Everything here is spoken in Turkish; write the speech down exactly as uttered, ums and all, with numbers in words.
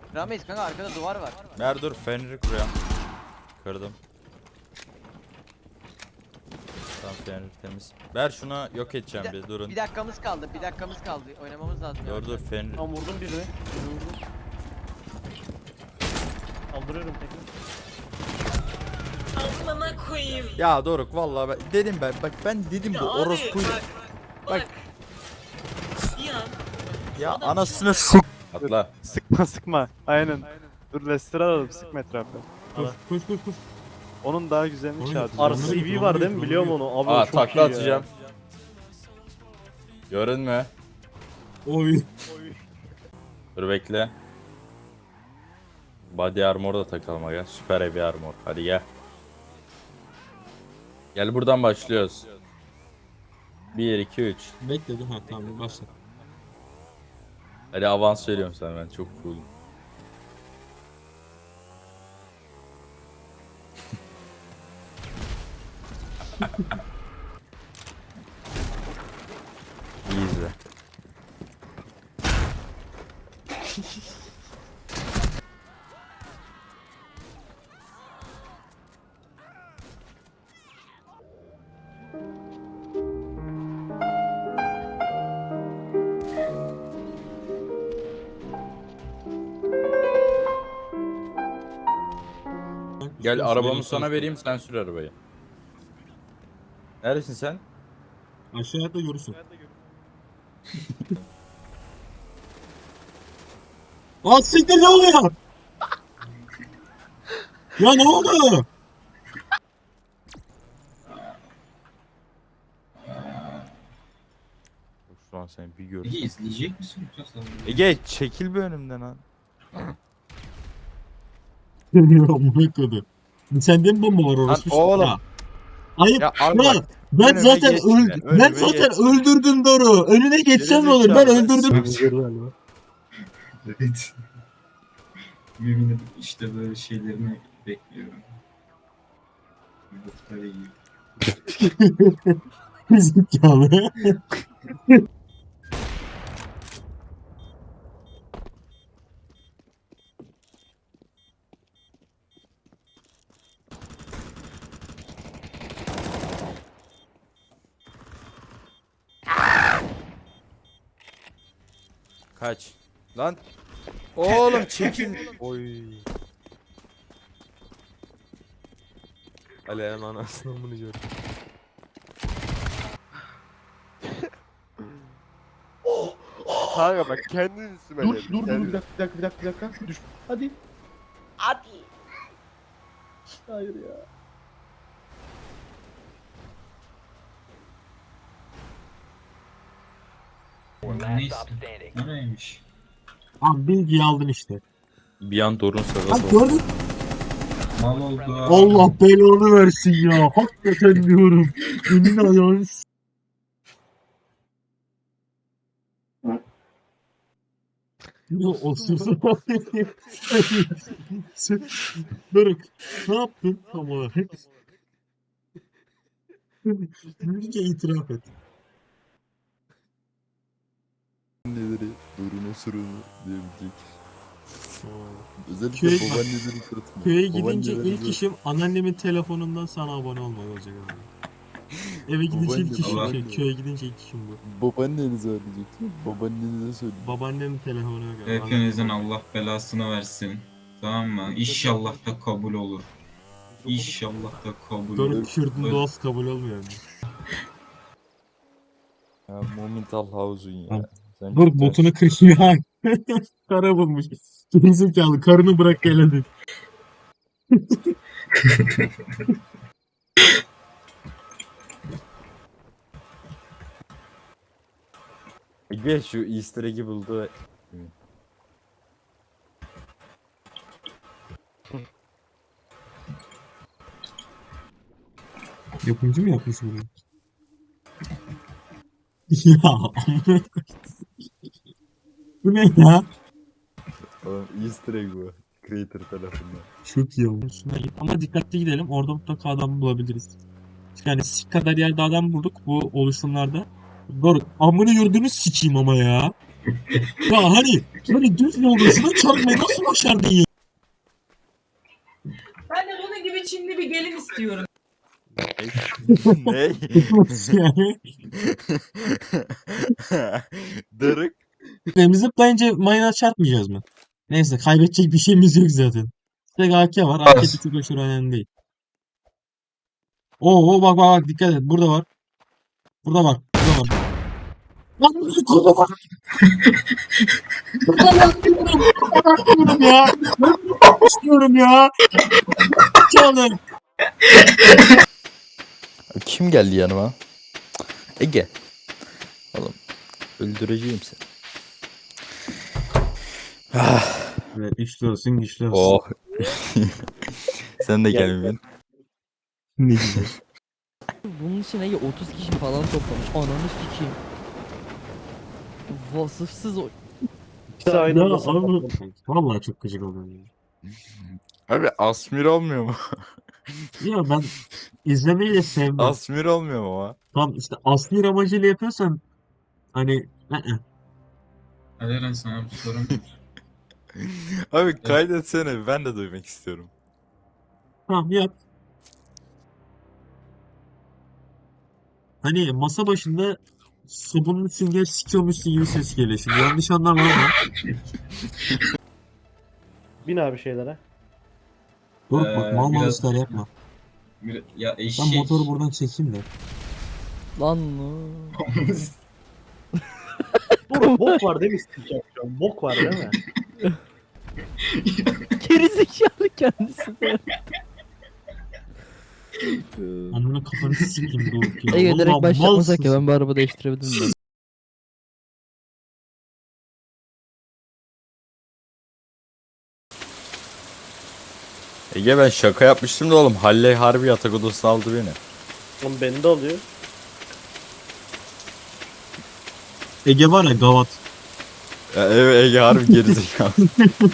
Rameyiz kanka, arkada duvar var. Ver dur, feneri kuruyorum. Kırdım. Tamam, fener temiz. Ver şuna, yok edeceğim Bir, bir, da- durun. bir dakikamız kaldı. Bir dakikamız kaldı. Oynamamız lazım. Dur dur, fener. Tam vurdum birini. Birini vurdum. Kaldırıyorum tekrar. Amına koyayım. Ya Doruk, vallahi ben dedim, ben bak ben dedim Ya bu abi, orospu. bak, bak. Bir an Ya adam- anasını sık. Atla. Sıkma sıkma. Aynen. Dur Lester alalım, sıkma etrafı. Koş koş koş koş. Onun daha güzelini Oyun- çağırdı. R C V var değil mi? Biliyorum onu. Abi Aa, çok takla iyi atacağım. Görünme. Oy. Dur bekle. Body armor da takalım aga. Süper heavy armor. Hadi gel. Gel, buradan başlıyoruz. bir iki üç. Bekledim, ha tamam başla. Hadi avans veriyorum sana, ben çok cool'um. İyi izle. Gel, arabamı sana vereyim, sen sür arabayı. Neredesin sen? Aşağıda görürsün. Aa siktir, ne oluyor? Ya ne oldu? Şu an seni bir gör. Ege izleyecek misin yoksa sen? Ege, çekil bir önümden ha. Amına koydu. Sende mi bomba var orası? Lan oğlum. Ya. Ayıp. Ya Ya, abi bak, ben önüme zaten geçme, öldüm. önüme Ben zaten geç. öldürdüm Doru. Önüne geçsem ne olur? Ben Gerizekalı. öldürdüm. Evet. Mümin'in işte böyle şeylerini bekliyorum. Muhtar iyi. Zekalı. Kaç. Lan. Oğlum çekil. Oy. Ali'nin anasını bunu gördüm. Kanka bak kendin üstüme Dur geldi, dur dur kendin. bir dakika bir dakika bir dakika bir dakika. Düş. Hadi. Hadi. Hayır ya. Neyse. Nereymiş? Abi bilgiyi aldın işte. Bir an Dorun Bak sırası oldu. gördün. Mal oldu. Allah belanı versin ya. Hakikaten diyorum. Emin ayağını s- Ya osursun. Sen- Doruk, ne yaptın tam olarak? Bilge itiraf et. Neleri Dorun osurunu diyebilecek. Özellikle Köy- babaanneleri kırıtma. Köye gidince Babaanneleri ilk de- işim anneannemin telefonundan sana abone olmak olacak abi. Eve gidince ilk Babaanne, işim babaanne. şey, köye gidince ilk işim bu. Babaannenize ödeyecektim. Babaannenize söyleyeyim. Babaannemin telefonuna göre. Hepinizin Allah belasını versin. Tamam mı? İnşallah da kabul olur. İnşallah da kabul olur. Doruk Kürt'ün Evet. doğası kabul olmuyor mu? Ya Momental House'un ya. Tamam. Sen Doruk cidden- botunu kırıyor ya. Kara bulmuş. Gerizekalı karını bırak gel hadi. Ege şu Easter egg'i buldu. Yapımcı mı yapmış bunu? Ya amına koyayım. Bu ne ya? Oğlum Easter egg bu. Creator tarafından. Çok iyi olmuş. Şuna git. Ama dikkatli gidelim. Orada mutlaka adam bulabiliriz. Yani sik kadar yerde adam bulduk bu oluşumlarda. Doğru. Amını yurdunu sikeyim ama ya. Ya hani hani düz yoldasına çarpmayı nasıl başardın ya? Ben de bunun gibi Çinli bir gelin istiyorum. ne? Nasıl yani? Dırık. Biz zıplayınca mayına çarpmayacağız mı? Neyse kaybedecek bir şeyimiz yok zaten. Tek A K var. A K bir tık aşırı önemli değil. Oo, oo bak bak bak dikkat et. Burada var. Burada var. Burada var. Lan burada var. Burada var diyorum. Burada var diyorum ya. Ben istiyorum ya. Canım. Kim geldi yanıma? Ege. Oğlum öldüreceğim seni. Evet, güçlü olsun güçlü olsun. Oh. Sen de gel bir. Ne güzel. Bunun için Ege otuz kişi falan toplamış. Ananı sikeyim. Vasıfsız o. İkisi aynı Ya anda abi, saklandı. vallahi çok gıcık oldum ya. Abi Asmir olmuyor mu? Ya ben izlemeyi de sevmem. Asmir olmuyor mu ama? Tam işte asli amacıyla yapıyorsan hani ı-ı. Aleren sana bir sorum var. Abi kaydetsene ben de duymak istiyorum. Tamam yap. Hani masa başında sabunlu sünger sikiyormuşsun gibi ses geliyor. Şimdi yanlış anlama ama. Bin abi şeylere. Dur Ee, bak mal mal biraz- işler yapma. Bir- Ya Ben eşek. motoru buradan çekeyim de. Lan no. Dur bok var değil mi sikeceğim şu an? Bok var değil mi? Gerizekalı kendisi de. Ananı kafanı sikeyim dur. Ya. Ege direkt Vallahi başlatmasak ya, malsın. ben bir araba değiştirebilirim ben. Ege ben şaka yapmıştım da oğlum. Halle harbi yatak odasına aldı beni. Oğlum beni de alıyor. Ege var ya gavat. Ya, evet Ege harbi gerizekalı.